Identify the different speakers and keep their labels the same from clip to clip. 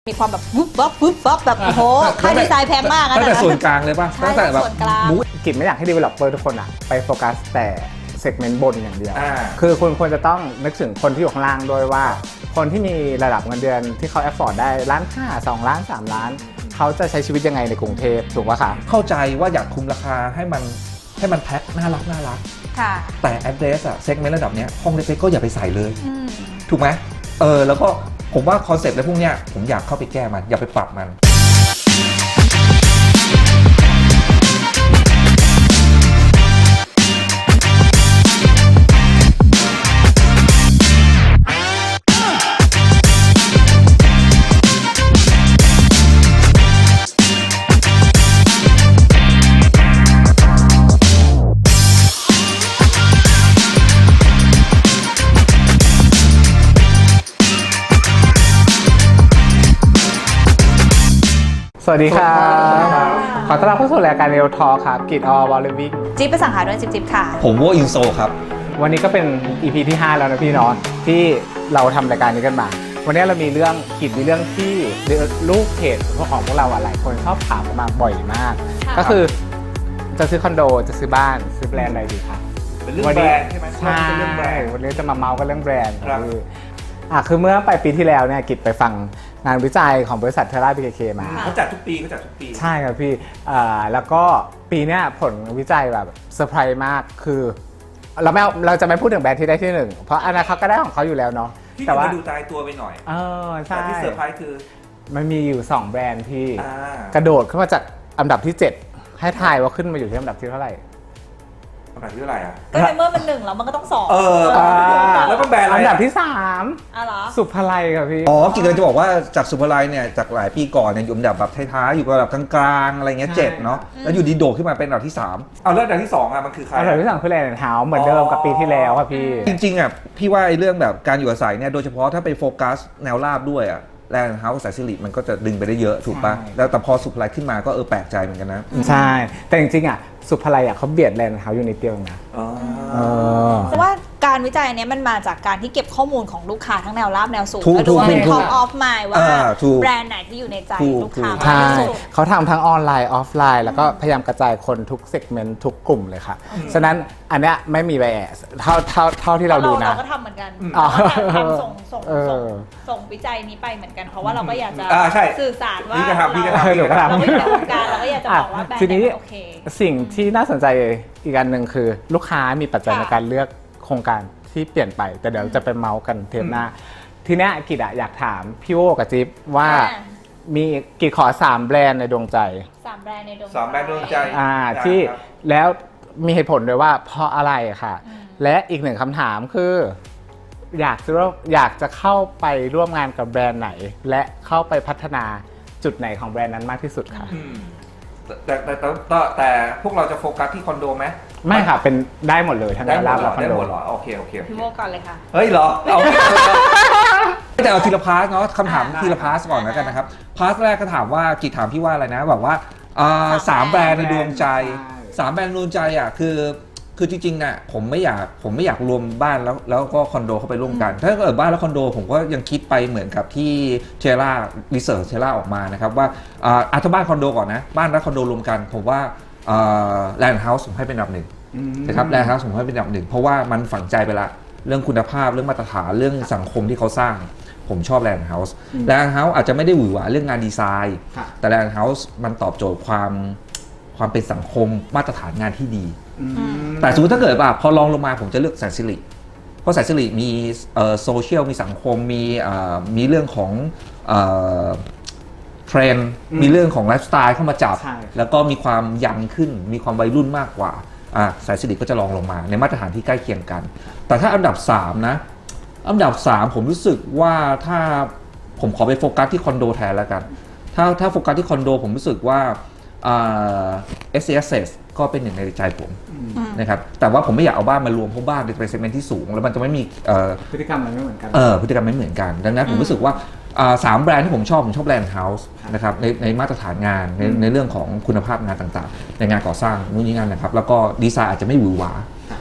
Speaker 1: มีความแบบวุบวับวุบวับแบบโอ้โหค่าดีไซน์แพงมากนะ
Speaker 2: ตั้งแต่ส่วนกลางเลยป่ะ
Speaker 1: ใช่
Speaker 2: ตั้งแต่แบบ
Speaker 1: ส่วนกลาง
Speaker 3: กิจไม่อยากให้ developer ทุกคนอะไปโฟกัสแต่เซกเมนต์บนอย่างเดียว
Speaker 2: อ่า
Speaker 3: คือคุณควรจะต้องนึกถึงคนที่อยู่ข้างล่างด้วยว่า คนที่มีระดับเงินเดือนที่เขา afford ได้1.5 ล้าน2 ล้าน3 ล้าน เขาจะใช้ชีวิตยังไงในกรุงเทพถูกป่ะคะ
Speaker 2: เข้าใจว่าอยากคุมราคาให้มันแพ็คน่ารัก
Speaker 1: ค่ะ
Speaker 2: แต่ address อะเซกเมนต์ระดับเนี้ยห้องเล็กๆก็อย่าไปใส่เลย
Speaker 1: อืม
Speaker 2: ถูกไหมแล้วก็ผมว่าคอนเซ็ปต์อะไรพวกเนี้ยผมอยากเข้าไปแก้มันอย่าไปปรับมัน
Speaker 3: สวัสดีครับขอต้อนรับเข้าสู่รายการ Real Talk ครับกิจวอลเลวิง
Speaker 1: จิ๊บไปสั่งหาด้วยจิ๊บค่ะ
Speaker 2: ผมว่าอินโซครับ
Speaker 3: วันนี้ก็เป็น EP ที่ 5 แล้วนะพี่เนาะที่เราทำรายการนี้กันมา วันนี้เรามีเรื่องกิจมีเรื่องที่ลูกเพจของพวกเราหลายคนชอบถามมาบ่อยมาก
Speaker 1: ค่ะ
Speaker 3: ก็คือจะซื้อคอนโดจะซื้อบ้านซื้อแบรนด์อะไรดีครับ
Speaker 2: เป็นเรื่องแบรนด์ใช่ไหม
Speaker 3: ใช่
Speaker 2: เป็นเรื่องแบรนด์
Speaker 3: วันนี้จะมาเมาส์กันเรื่องแบรนด์
Speaker 2: ครับ
Speaker 3: คือเมื่อปลายปีที่แล้วเนี่ยกิจไปฟังงานวิจัยของบริษัทเทราบีเคมา
Speaker 2: เขาจัดทุกปี
Speaker 3: ใช่ครับพี่แล้วก็ปีเนี้ยผลวิจัยแบบเซอร์ไพรส์มากคือเราจะไม่พูดถึงแบรนด์ที่ได้ที่หนึ่งเพราะอันนั้นเขาก็ได้ของเขาอยู่แล้วเนาะ
Speaker 2: ที่
Speaker 3: แต่ว่า
Speaker 2: ดูตายตัวไปหน่อย
Speaker 3: ใช่
Speaker 2: แต่ที่เซอร์ไพรส์คือ
Speaker 3: มันมีอยู่ 2 แบรนด์ที่
Speaker 2: อ่าก
Speaker 3: ระโดดขึ้นมาจากอันดับที่ 7 ให้ทายว่าขึ้นมาอยู่ที่อันดับที่เท่าไหร่
Speaker 2: อันดับที่เท่าไหร่อ่ะ
Speaker 1: ก็ในเมื่อมันหนึ่งแล้วมันก็ต้องสอง
Speaker 2: แล้วก็แบรนด์อะไร
Speaker 3: อันดับที่
Speaker 1: อ๋อเหรอ
Speaker 3: 3 สุภาลัยครับพี่
Speaker 2: กิจกำลังจะบอกว่าจากสุภาลัยเนี่ยจากหลายปีก่อนเนี่ยอยู่อันดับแบบท้ายๆอยู่ระดับกลางๆอะไรเงี้ย
Speaker 3: ใช่
Speaker 2: 7เนาะแล้วอยู่ดีโดดขึ้นมาเป็นอันดับที่3เอาแล้วอันดับที่2อ่ะมันคือใคร
Speaker 3: อันดับที่3คือแลนด์เฮาส์เหมือนเดิมกับปีที่แล้วครับพี่
Speaker 2: จริงๆอ่ะพี่ว่าไอ้เรื่องแบบการอยู่อาศัยเนี่ยโดยเฉพาะถ้าไปโฟกัสแนวราบด้วยอ่ะแลนด์เฮาส์สายสิริมันก็จะดึงไปได้เยอะถูกปะ
Speaker 3: ใช่
Speaker 2: แล้วแต่พอสุภาลัยขึ้นมาก็แปลกใจเหมือนกันนะ
Speaker 3: ใช่ แต่จริงๆสุภาลัยเขาเบียดแลนด์เฮาส์อยู่นิดเดียวนะ
Speaker 1: เพราะว่าการวิจัยอันเนี้ยมันมาจากการที่เก็บข้อมูลของลูกค้าทั้งแนวราบแนวสูง
Speaker 2: ถูก
Speaker 1: แล้วดูว่าเป็น
Speaker 2: ถูก
Speaker 1: top of mind ว่า
Speaker 2: ถูก
Speaker 1: แบรนด์ไหนที่อยู่ในใจ
Speaker 2: ถูก
Speaker 1: ลูกค้า
Speaker 3: ใช่
Speaker 1: มากที่สุด
Speaker 3: เขาทำทั้งออนไลน์ออฟไลน์แล้วก็พยายามกระจายคนทุกเซกเมนต์ทุกกลุ่มเลยค่ะ ฉะนั้นอันเนี้ยไม่มีไบแอสเท่าที่เราดูนะ
Speaker 1: เราก็ทำเหมือนกัน
Speaker 3: อ๋อ
Speaker 1: ทำส่งวิจัยนี้ไปเหมือนกันเพราะว่าเราก็อยากจะ
Speaker 2: ใช่
Speaker 1: สื่อสารว่า
Speaker 2: พี่ก็ทำพี่ก็ทำ
Speaker 3: เดี๋ยวก็ทำ
Speaker 1: เราก็อยู่ในวงการเราก็อยากจะบอกว่าแบรนด์
Speaker 3: ทีนี้
Speaker 1: ไหนมันโอเค
Speaker 3: สิ่งที่น่าสนใจอีกอันหนึ่งคือ ลูกค้ามีปัจจัย
Speaker 1: ค่ะ
Speaker 3: ในการเลือกโครงการที่เปลี่ยนไป แต่เดี๋ยวจะไปเมาส์กันเทปหน้า ทีเนี้ยกิจอยากถามพี่โอกับจิ๊บว่ามีกิจขอ 3 แบรนด์ในดวงใจ
Speaker 1: สามแบรนด์ในดวง
Speaker 2: สามแบรนด์ดวงใจ
Speaker 3: ที่
Speaker 2: ครับ
Speaker 3: แล้วมีเหตุผลด้วยว่าเพราะอะไรค่ะ และอีกหนึ่งคำถามคือ อยากจะเข้าไปร่วมงานกับแบรนด์ไหน และเข้าไปพัฒนาจุดไหนของแบรนด์นั้นมากที่สุดค่ะ
Speaker 2: แต่พวกเราจะโฟกัสที่คอนโดไหม
Speaker 3: ไม่ค่ะเป็นได้หมดเลยทั้ง
Speaker 2: ได้หม
Speaker 3: รา
Speaker 2: ด
Speaker 3: บ
Speaker 2: เหร
Speaker 3: และ
Speaker 2: อ
Speaker 3: คอน
Speaker 2: ได้
Speaker 3: โด
Speaker 2: หมดเหรอโอเค
Speaker 1: พี่โมก่อนเลยค่ะ
Speaker 2: เฮ้ยเหรอเอาแต่เอาทีละพาร์ทเนาะคำถามทีละพาร์ทก่อนแล้วกันนะครับพาร์ทแรกก็ถามว่ากิจถามพี่ว่าอะไรนะแบบว่าสามแบรนด์ในดวงใจ
Speaker 3: ใช่
Speaker 2: สามแบรนด์ในดวงใจอ่ะคือจริงๆน่ะผมไม่อยากรวมบ้านแล้วก็คอนโดเข้าไปร่วมกัน ถ้าเกิดบ้านแล้วคอนโดผมก็ยังคิดไปเหมือนกับที่เทรารีเสิร์ชเทราออกมานะครับว่าถ้าบ้านคอนโดก่อนนะบ้านและคอนโดรวมกันผมว่าแลนด์เฮาส์ผมให้เป็นอันดับหนึ่งนะครับแลนด์เฮาส์ผมให้เป็นอันดับหนึ่งเพราะว่ามันฝังใจไปละเรื่องคุณภาพเรื่องมาตรฐานเรื่องสังคมที่เขาสร้างผมชอบแลนด์เฮาส์แลนด์เฮาส์อาจจะไม่ได้หวือหวาเรื่องงานดีไซน์แต่แลนด์เฮาส์มันตอบโจทย์ความเป็นสังคมมาตรฐานงานที่ดีแต่สมมติถ้าเกิดพอลองลงมาผมจะเลือกแสนสิริเพราะแสนสิริมีโซเชียลมีสังคมมีเรื่องของเทรนด์มีเรื่องของไลฟ์สไตล์เข้ามาจับ
Speaker 3: ใช่
Speaker 2: แล้วก็มีความยังขึ้นมีความวัยรุ่นมากกว่าแสนสิริก็จะลองลงมาในมาตรฐานที่ใกล้เคียงกัน แต่ถ้าอันดับ3นะอันดับ3ผมรู้สึกว่าถ้าผมขอไปโฟกัสที่คอนโดแทนแล้วกันถ้าโฟกัสที่คอนโดผมรู้สึกว่าSCSS ก็เป็นหนึ่งในใจผมนะครับแต่ว่าผมไม่อยากเอาบ้านมารวมเพราะบ้านเป็นเซกเมนต์ที่สูงแล้วมันจะไม่มี
Speaker 3: พฤติกรรมมันไม่เหมือนกัน
Speaker 2: พฤติกรรมไม่เหมือนกันดังนั้นผมรู้สึกว่า3แบรนด์ที่ผมชอบแลนด์เฮาส์นะครับในมาตรฐานงานในเรื่องของคุณภาพงานต่างๆในงานก่อสร้างนู่นนี่นั่นนะครับแล้วก็ดีไซน์อาจจะไม่หวือหวา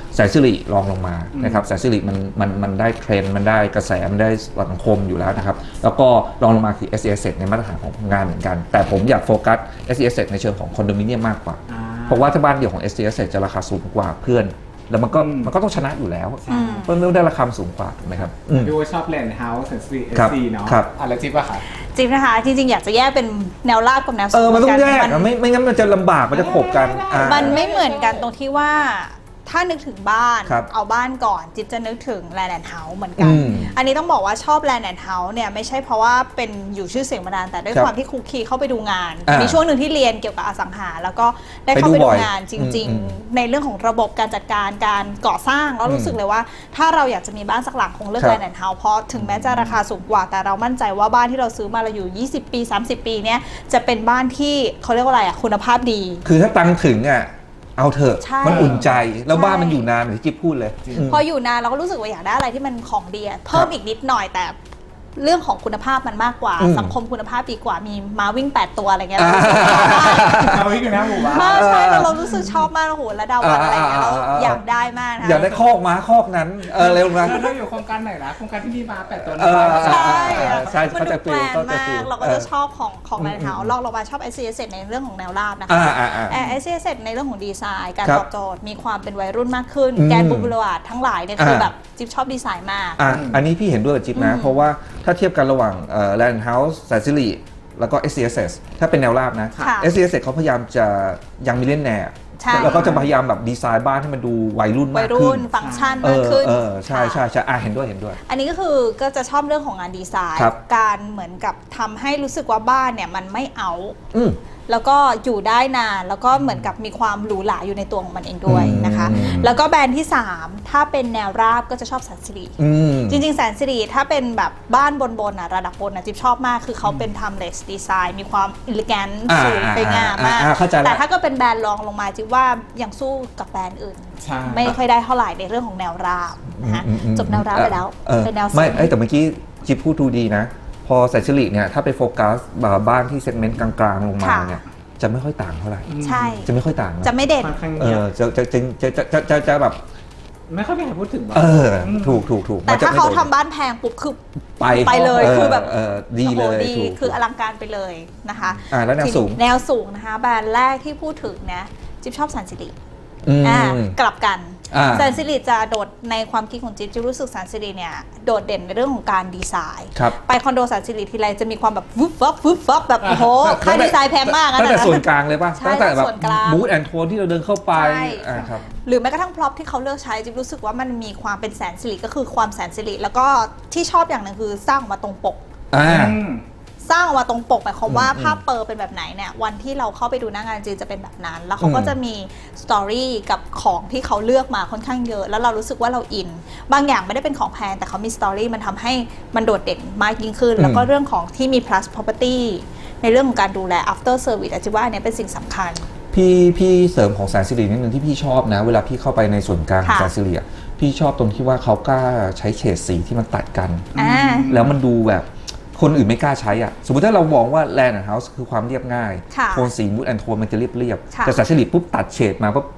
Speaker 2: แสนสิริรองลงมานะครับแสนสิริมันได้เทรนด์มันได้กระแสมันได้สังคมอยู่แล้วนะครับแล้วก็รองลงมาคือ S E S ในมาตรฐานของงานเหมือนกันแต่ผมอยากโฟกัส S E S ในเชิงของคอนโดมิเนียมมากกว่าเพราะว่าถ้าบ้านเดี่ยวของ S E S จะราคาสูงกว่าเพื่อนแล้วมันก็ต้องชนะอยู่แล้วเพราะมันได้ราคาสูงกว่าถูกไหมครับ
Speaker 3: ดูว่าชอบแลนด์เฮาส์แสนสิริSC เนาะอะไรจิ๊บอะค่ะ
Speaker 1: จิ๊บนะคะจริงๆอยากจะแยกเป็นแนวราบกับแนวสูง
Speaker 2: มันต้องแยกไม่งั้นมันจะลำบากมันจะขบกัน
Speaker 1: มันไม่เหมือนกันตรงที่ว่าถ้านึกถึงบ้านเอาบ้านก่อนจิ๊บจะนึกถึงแลนด์เฮาส์เหมือนกันอันนี้ต้องบอกว่าชอบแลนด์เฮาส์เนี่ยไม่ใช่เพราะว่าเป็นอยู่ชื่อเสียงมานานแต่ด้วยความที่คุกคีเข้าไปดูงานมีช่วงหนึ่งที่เรียนเกี่ยวกับอสังหาแล้วก็ได้เข้าไปดูงานจริงๆในเรื่องของระบบการจัดการการก่อสร้างแล้วรู้สึกเลยว่าถ้าเราอยากจะมีบ้านสักหลังคงเลือกแลนด์เฮาส์เพราะถึงแม้จะราคาสูงกว่าแต่เรามั่นใจว่าบ้านที่เราซื้อมาเราอยู่20ปี30ปีเนี่ยจะเป็นบ้านที่เขาเรียกว่าอะไรคุณภาพดี
Speaker 2: คือถ้าตังถึงเอาเถอะมันอุ่นใจแล้วบ้านมันอยู่นานเหมือนที่จิ๊บพูดเลย
Speaker 1: พออยู่นานเราก็รู้สึกว่าอยากได้อะไรที่มันของดีเพิ่มอีกนิดหน่อยแต่เรื่องของคุณภาพมันมากกว่าสังคมคุณภาพดีกว่ามีม้าวิ่ง8ตัวอะไรเงี้ย
Speaker 3: ม้าวิ่งอยู่นะหมู่บ้าน
Speaker 1: ใช่เรารู้สึกชอบมากโอ้โหแล้วดาววันอะไรเงี้ยเราอยากได้มากนะ
Speaker 2: อยากได้คอกม้าคอกนั้นเร็วนะ
Speaker 3: เราอยู่โครงการไหนนะโครงการที่มีม้า8ตัว
Speaker 1: ใช่มันดูแปลกมากเราก็จะชอบของแลนด์เฮาส์ลองลงมาชอบ S C S ในเรื่องของแนวราบนะคะS C S ในเรื่องของดีไซน์การตอบโจทย์มีความเป็นวัยรุ่นมากขึ้นแกนบูบูลวาร์ดทั้งหลายเนี่ยคือแบบจิ๊บชอบดีไซน์มาก
Speaker 2: อันนี้พี่เห็นด้วยกับจิ๊บนะเพราะว่าถ้าเทียบกันระหว่างแลนด์เฮาส์แสนสิริแล้วก็ S C S ถ้าเป็นแนวราบนะ S C S เขาพยายามจะยังมิลเลนเนียร์แล้วก็จะพยายามแบบดีไซน์บ้านให้มันดูวัยรุ่นมากขึ้น
Speaker 1: ฟังก์ชันมากขึ้น
Speaker 2: ใช่เห็นด้วย
Speaker 1: อันนี้ก็คือก็จะชอบเรื่องของงานดีไซน์การเหมือนกับทำให้รู้สึกว่าบ้านเนี่ยมันไม่เอาแล้วก็อยู่ได้นานแล้วก็เหมือนกับมีความหรูหราอยู่ในตัวของมันเองด้วยนะคะแล้วก็แบรนด์ที่3ถ้าเป็นแนวราบก็จะชอบแสนสิริจริงๆแสนสิริถ้าเป็นแบบบ้านบนระดับบนจิ๊บชอบมากคือเขาเป็น timeless design มีความ elegant สูงไปงามมากแต่ถ้าก็เป็นแบรนด์รองลงมาจิ๊บว่ายังสู้กับแบรนด์อื่นไม่ค่อยได้เท่าไหร่ในเรื่องของแนวราบนะจบแนวราบไปแล้วเป็นแนวสูง
Speaker 2: ไม่แต่เมื่อกี้จิ๊บพูดดูดีนะพอแสนสิริเนี่ยถ้าไปโฟกัสบ้านที่เซกเมนต์กลางๆลงมาเนี่ยจะไม่ค่อยต่างเท่าไหร่
Speaker 1: ใช่
Speaker 2: จะไม่ค่อยต่าง
Speaker 1: จะไม่เด่น
Speaker 2: จะแบบ
Speaker 3: ไม่ค่อยมีใครพูดถึง
Speaker 2: ถูก
Speaker 1: แต่ถ้าเขาทำบ้านแพงปุ๊บคือไปเลยคือแบบ
Speaker 2: ดีเลย
Speaker 1: คืออลังการไปเลยนะคะ
Speaker 2: แล้วแนว
Speaker 1: สูงนะคะแบรนด์แรกที่พูดถึงนะจิ๊บชอบแสนสิริกลับกันแสนสิริจะโดดในความคิดของจิ๊บรู้สึกแสนสิริเนี่ยโดดเด่นในเรื่องของการดีไซน์ไปคอนโดแสนสิริทีไรจะมีความแบบวึบฟับแบบโอ้โหค่าดีไซน์แพงมาก
Speaker 2: ตั้งแต่ส่วนกลางเลยป่ะตั้งแต่แบบบูธแอนด์โทนที่เราเดินเข้าไป
Speaker 1: ครับหรือแม้กระทั่งพร็อพที่เขาเลือกใช้จิ๊บรู้สึกว่ามันมีความเป็นแสนสิริก็คือความแสนสิริแล้วก็ที่ชอบอย่างหนึ่งคือสร้างมาตรงปกสร้างออกมาตรงปกหมายความว่าภาพเปอร์เป็นแบบไหนเนี่ยวันที่เราเข้าไปดูหน้างานจริงจะเป็นแบบนั้นแล้วเขาก็จะมีสตอรี่กับของที่เขาเลือกมาค่อนข้างเยอะแล้วเรารู้สึกว่าเราอินบางอย่างไม่ได้เป็นของแพงแต่เขามีสตอรี่มันทำให้มันโดดเด่นมากยิ่งขึ้นแล้วก็เรื่องของที่มี plus property ในเรื่องของการดูแล after service อาจจะว่าเนี่ยเป็นสิ่งสำคัญ
Speaker 2: พี่เสริมของแสนสิรินิดนึงที่พี่ชอบนะเวลาพี่เข้าไปในส่วนกลางของแสนสิริพี่ชอบตรงที่ว่าเขากล้าใช้เฉดสีที่มันตัดกันแล้วมันดูแบบคนอื่นไม่กล้าใช้สมมติถ้าเรามองว่าแลนด์เฮาส์คือความเรียบง่ายโทนสีมูดแอนโทนมันจะเรียบแต่แสนสิริปุ๊บตัดเฉดมาปุ๊บ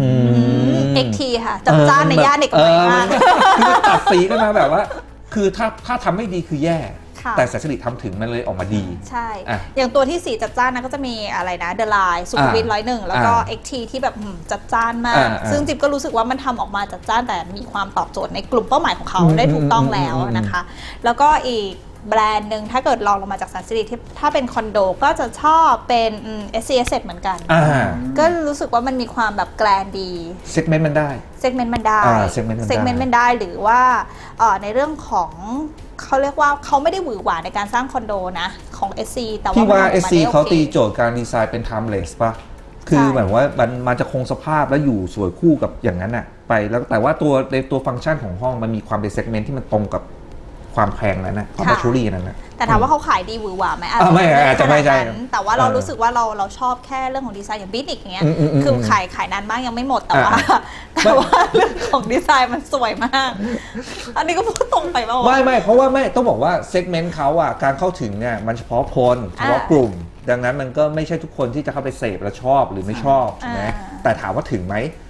Speaker 1: XT ค่ะจับจ้านในย่านเด็กใหม่มาก
Speaker 2: คือตัดสีกันมาแบบว่าคือถ้าทำไม่ดีคือแย่แต่แสนสิริทำถึงมันเลยออกมาดี
Speaker 1: ใช่อย่างตัวที่สีจัดจ้านนะก็จะมีอะไรนะเดอะไลน์สุขุมวิท101แล้วก็ XT ที่แบบจัดจ้านมากซึ่งจิ๊บก็รู้สึกว่ามันทำออกมาจัดจ้านแต่มีความตอบโจทย์ในกลุ่มเป้าหมายของเขาได้ถูกต้องแล้วนะคะแล้วก็อีกแบรนด์หนึ่งถ้าเกิดลองลงมาจากแสนสิริถ้าเป็นคอนโดก็จะชอบเป็น S C S เหมือนกันก็รู้สึกว่ามันมีความแบบแกรนดี
Speaker 2: เซกเมนต์มันได้
Speaker 1: หรือว่าในเรื่องของเขาเรียกว่าเขาไม่ได้หวือหวาในการสร้างคอนโดนะของ SC แต่
Speaker 2: ว่า SC เขาตีโจทย์การดีไซน์เป็น timeless ป่ะคือเหมือนว่ามันจะคงสภาพแล้วอยู่สวยคู่กับอย่างนั้นไปแล้วแต่ว่าในตัวฟังก์ชันของห้องมันมีความเป็นเซกเมนต์ที่มันตรงกับความแพงนั้นความบัชชูรี่นั้น
Speaker 1: แต่ถามว่าเขาขายดีหวือหวาไหม
Speaker 2: อาจจะไม่ใช่
Speaker 1: แต่ว่าเรารู้สึกว่าเราชอบแค่เรื่องของดีไซน์อย่างบิทนิกอย่างเงี้ยคือขายนานมากยังไม่หมดแต่ว่าเรื่องของดีไซน์มันสวยมากอันนี้ก็พูดตรงไปป่าว
Speaker 2: ไม่เพราะว่าไม่ต้องบอกว่าเซกเมนต์เขาการเข้าถึงเนี่ยมันเฉพาะคนเฉพาะกลุ่มดังนั้นมันก็ไม่ใช่ทุกคนที่จะเข้าไปเสพและชอบหรือไม่ชอบใช่ไหมแต่ถามว่าถึงไหม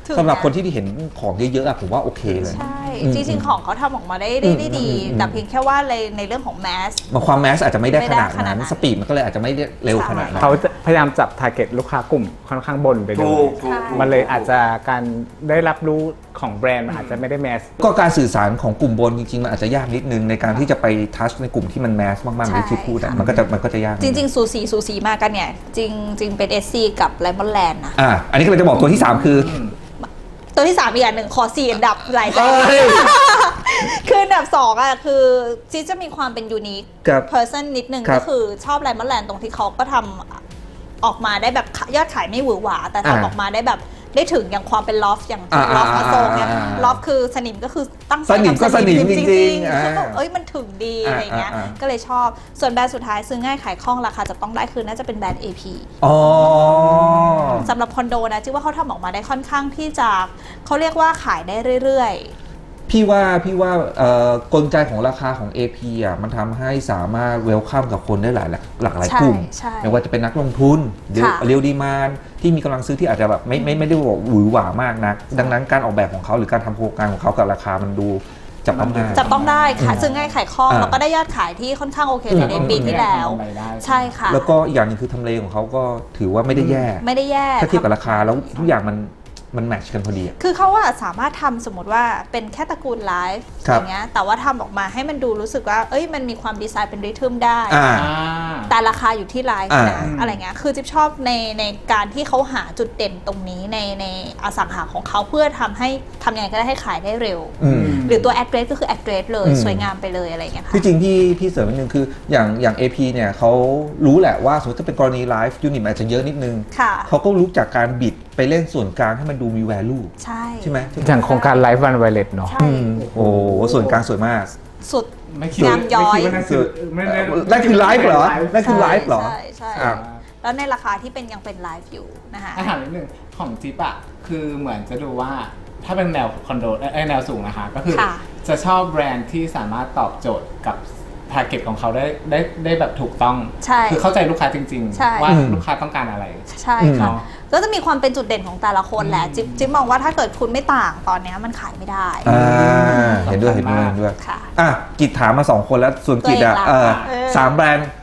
Speaker 1: ถึง
Speaker 2: สำหรับ
Speaker 1: นะ
Speaker 2: คนที่เห็นของเยอะๆอะผมว่าโอเคเลย
Speaker 1: ใช่
Speaker 2: อืม
Speaker 1: จริงๆของเขาทำออกมาได้ดี แต่เพียงแค่ว่าในเรื่องของแมส
Speaker 2: บางความแมสอาจจะไม่ได้ขนาด
Speaker 1: ไม่ได้ขนาดนั้
Speaker 2: นั้น
Speaker 1: น
Speaker 2: สปีดมันก็เลยอาจจะไม่ได้เร็วขนาดนั้น
Speaker 3: เขาจะพยายามจับทาร์เก็ตลูกค้ากลุ่มค่อนข้างบนไปเลย
Speaker 2: ถูก
Speaker 3: มันเลยอาจจะการได้รับรู้ของแบรนด์มันอาจจะไม่ได้แมส
Speaker 2: ก็การสื่อสารของกลุ่มบนจริงๆมันอาจจะยากนิดนึงในการที่จะไปทัชในกลุ่มที่มันแมสมากๆหรือที่พูดอะมันก็จะยาก
Speaker 1: จริงๆสูสีมากันเนี่ยจริงเป็น SC กับไลมอนแลนด์นะ
Speaker 2: อันนี้ก็เลยจะบอกตัวที่ 3 คือ
Speaker 1: ตัวที่ 3 อีกอันหนึ่งขอ4อันดับหลายแบรนด์
Speaker 2: เอ้ย
Speaker 1: คืออันดับ2อ่ะคือจิ๊จะมีความเป็นยูนิค
Speaker 2: ครับ
Speaker 1: เพอร์ซันนิดนึง
Speaker 2: ครับ
Speaker 1: ก็คือชอบไลมอนแลนด์ตรงที่เขาก็ทำออกมาได้แบบยอดขายไม่หวือหวา แต่ทำออกมาได้แบบได้ถึงอย่างความเป็นลอฟอย่างลอฟมาโซงเนี่ยลอฟคือสนิมก็คือตั้งใจ
Speaker 2: สนิมก็
Speaker 1: ทำ
Speaker 2: สนิมจริงๆ
Speaker 1: ๆแล้วแบบมันถึงดีอะไรเงี้ยก็เลยชอบส่วนแบรนด์สุดท้ายซื้อง่ายขายคล่องราคาจะต้องได้คือน่าจะเป็นแบรนด์ AP
Speaker 2: อ๋อ
Speaker 1: สำหรับคอนโดนะจิ๊ว่าเขาทำออกมาได้ค่อนข้างที่จะเขาเรียกว่าขายได้เรื่อย
Speaker 2: พี่ว่ากลไกของราคาของ AP อ่ะมันทำให้สามารถเวลคัมกับคนได้หลากหลาย
Speaker 1: ใช่
Speaker 2: กลุ่ม
Speaker 1: ใช่
Speaker 2: ไม่ว่าจะเป็นนักลงทุนเรียว
Speaker 1: ค่ะ
Speaker 2: เรียวดีมานที่มีกำลังซื้อที่อาจจะแบบไม่ได้บอกหวือหวามากนัก ดังนั้นการออกแบบของเขาหรือการทำโครงการของเขากับราคามันดูจับต้องได้
Speaker 1: ๆ จะต้องได้ค่ะซื้อง่ายขายคล่อง
Speaker 2: อ่า
Speaker 1: แล้วก็ได้ยอดขายที่ค่อนข้างโอเคในปีที่แล้ว ใช่ค่ะ
Speaker 2: แล้วก็อีกอย่างหนึงคือทำเลของเขาก็ถือว่าไม่ได้แย่
Speaker 1: ไม่ได้แย่
Speaker 2: ถ้าเทียบกับราคาแล้วทุกอย่างมันแมทช์กันพอดีอะ
Speaker 1: คือเขาอะสามารถทำสมมติว่าเป็นแค่ตระกูลไลฟ์
Speaker 2: ครั
Speaker 1: อบ ย่างเงี้ยแต่ว่าทำออกมาให้มันดูรู้สึกว่ามันมีความดีไซน์เป็นริทึมได้
Speaker 2: อ่า
Speaker 1: แต่ราคาอยู่ที่ไลฟ์นะ
Speaker 2: อ่า
Speaker 1: อะไรเงี้ยคือจิ๊บชอบในการที่เขาหาจุดเด่นตรงนี้ในอสังหาของเขาเพื่อทำยังไงก็ได้ให้ขายได้เร็ว
Speaker 2: อืม
Speaker 1: หรือตัว address ก็คือ address เลย
Speaker 2: อืม
Speaker 1: สวยงามไปเลยอะไรเงี้ยค่ะ
Speaker 2: ที่จริงพี่เสริมนิดนึงคืออย่าง AP เนี่ยเขารู้แหละว่าสมมติถ้าเป็นกรณีไลฟ์ยูนิตอาจจะเยอะนิดนึง
Speaker 1: ค่ะ
Speaker 2: เขาก็รู้จากการบิดไปเล่นส่วนกลางให้มันดูมี value
Speaker 1: ใช่
Speaker 2: ไหม
Speaker 3: อย่างโครงการไลฟ์วันไวเลตเนาะ
Speaker 1: ใช่
Speaker 2: โอ้โหส่วนกลางสวยมาก
Speaker 1: สุด
Speaker 3: ไม่คิด
Speaker 1: งามย้อย
Speaker 3: ไม่คิดว่านั่นคือไม่ได้
Speaker 2: นั่นคือไลฟ์เหรอ นั่นคือไลฟ์เหรอ
Speaker 1: ใช่
Speaker 2: อ่ะ
Speaker 1: แล้วในราคาที่ยังเป็นไลฟ์อยู่นะคะ
Speaker 3: อาหารนิดนึงของจิ๊บอะคือเหมือนจะดูว่าถ้าเป็นแนวคอนโดแนวสูงนะคะ ก็คือ
Speaker 1: ค่ะ
Speaker 3: จะชอบแบรนด์ที่สามารถตอบโจทย์กับทาร์เก็ตของเขาได้แบบถูกต้อง
Speaker 1: ใช่
Speaker 3: คือเข้าใจลูกค้าจริง
Speaker 1: ใช่
Speaker 3: ๆ ว่าลูกค้าต้องการอะไร
Speaker 1: ใช่ค่ะ
Speaker 3: เนาะ
Speaker 1: ก็จะมีความเป็นจุดเด่นของแต่ละคนแหละจิ๊บมองว่าถ้าเกิดคุณไม่ต่างตอนเนี้ยมันขายไม่ได้
Speaker 2: เห็นด้วยเห็นด้วย
Speaker 1: ค่ะ
Speaker 2: อ่ะกิจถามมา 2 คนแล้วส่วนกิจอ่ะ
Speaker 1: ตัวเองล่ะ
Speaker 2: สามแบรนด์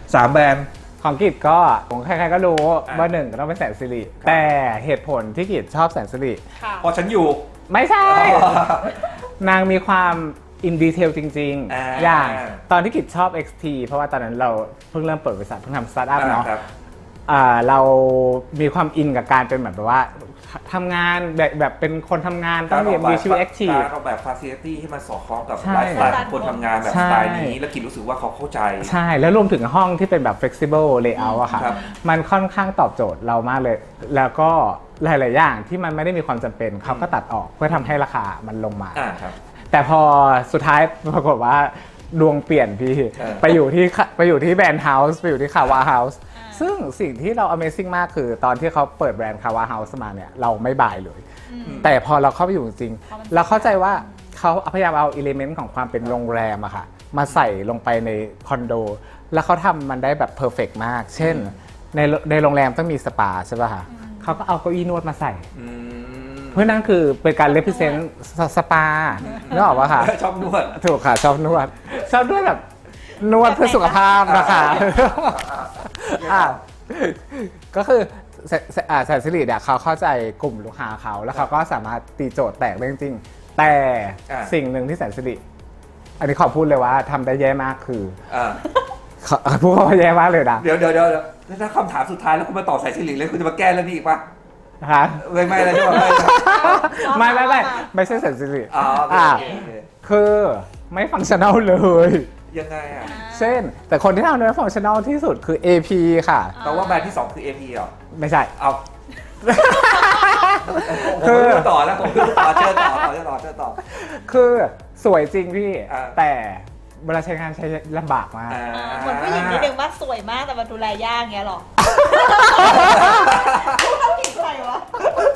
Speaker 3: ของกิจก็ของใครๆก็รู้ว่าหนึ่งก็ต้องเป็นแสนสิริแต่เหตุผลที่กิจชอบแสนสิริ
Speaker 2: พอฉันอยู่
Speaker 3: ไม่ใช่ นางมีความอินดีเทลจริง
Speaker 2: อ่า
Speaker 3: ๆ อย่างตอนที่กิจชอบ XT เพราะว่าตอนนั้นเราเพิ่งเริ่มเปิดบริษัทเพิ่งทำสตาร์ทอัพเนาะเรามีความอินกับการเป็นแบบว่าทำงานแบบเป็นคนทำงานต้องมีชีวิตแอคทีฟ
Speaker 4: การออกแบบฟาซิลิตี้ให้มันสอดคล้องกับ
Speaker 3: ใช่
Speaker 4: ไลฟ์สไตล์ของคนทำงานแบบ
Speaker 3: ใช่
Speaker 4: สไตล์นี้ แล้วกินรู้สึกว่าเขาเข้าใจ
Speaker 3: ใช่ แล้วรวมถึงห้องที่เป็นแบบ flexible layout อะค่ะ
Speaker 4: ครับ
Speaker 3: มันค่อนข้างตอบโจทย์เรามากเลย แล้วก็หลาย ๆ อย่างที่มันไม่ได้มีความจำเป็นเขาก็ตัดออกเพื่อทำให้ราคามันลงมา
Speaker 4: ครับ
Speaker 3: แต่พอสุดท้ายปรากฏว่าดวงเปลี่ยนพี่ ไปอยู่ที่แบรนด์เฮาส์ไปอยู่ที่คาวาเฮาส์ซึ่งสิ่งที่เรา Amazing มากคือตอนที่เขาเปิดแบรนด์คาวาเฮาส์มาเนี่ยเราไม่บายเลย แต่พอเราเข้าไปอยู่จริงๆเราเข้าใจว่าเขาพยายามเอาอิเลเมนต์ของความเป็นโรงแรมอะค่ะมาใส่ลงไปในคอนโด แล้วเขาทำมันได้แบบเพอร์เฟกต์มาก เช่นในโรงแรมต้องมีสปาใช่ป่ะคะเขาก็เอาเก้าอี้นวดมาใส่ เพื่อนั่นคือเป็นการ represent สปานึกออกปะคะ
Speaker 4: ชอบนวด
Speaker 3: ถูกค่ะชอบนวดแบบนวดเพื่อสุขภาพนะคะก็คือแสนสิริเนี่ยเขาเข้าใจกลุ่มลูกค้าเขาแล้วเขาก็สามารถตีโจทย์แตกได้จริงๆแต่สิ่งหนึ่งที่แสนสิริอันนี้ขอพูดเลยว่าทำได้แย่มากคือพูดว่าแย่มากเลยนะ
Speaker 4: เดี๋ยวแล้วถ้าคำถามสุดท้ายแล้วคุณมาตอบสายสิริเลยคุณจะมาแก้แล้วนี่อีกปะ
Speaker 3: ฮะ
Speaker 4: ไม่อะไรใช่ไหม
Speaker 3: ไม่ใช่แสนสิริ
Speaker 4: อ๋อโอเคโอเค
Speaker 3: คือไม่ฟังชั่นแนลเลย
Speaker 4: ยังไงอ่ะ
Speaker 3: เช่นแต่คนที่ทำได้ฟังชั่นแนลที่สุดคือ AP ค่ะ
Speaker 4: แต่ว่าแบรนด์ที่ 2 คือ AP เหรอ
Speaker 3: ไม่ใช่
Speaker 4: เอา
Speaker 3: คื
Speaker 4: ผม
Speaker 3: อ
Speaker 4: ไม่รู้ต่อแล้วผมไม่รู้ต่อเชิญต่อ
Speaker 3: คือสวยจริงพี่
Speaker 4: อ่า
Speaker 3: แต่เวลาใช้งานใช้ลำบากมาก
Speaker 1: เหมือนผู้หญิงนิดนึงว่าสวยมากแต่มันดูแลยากเงี้ยหรอต้องผิดใครวะ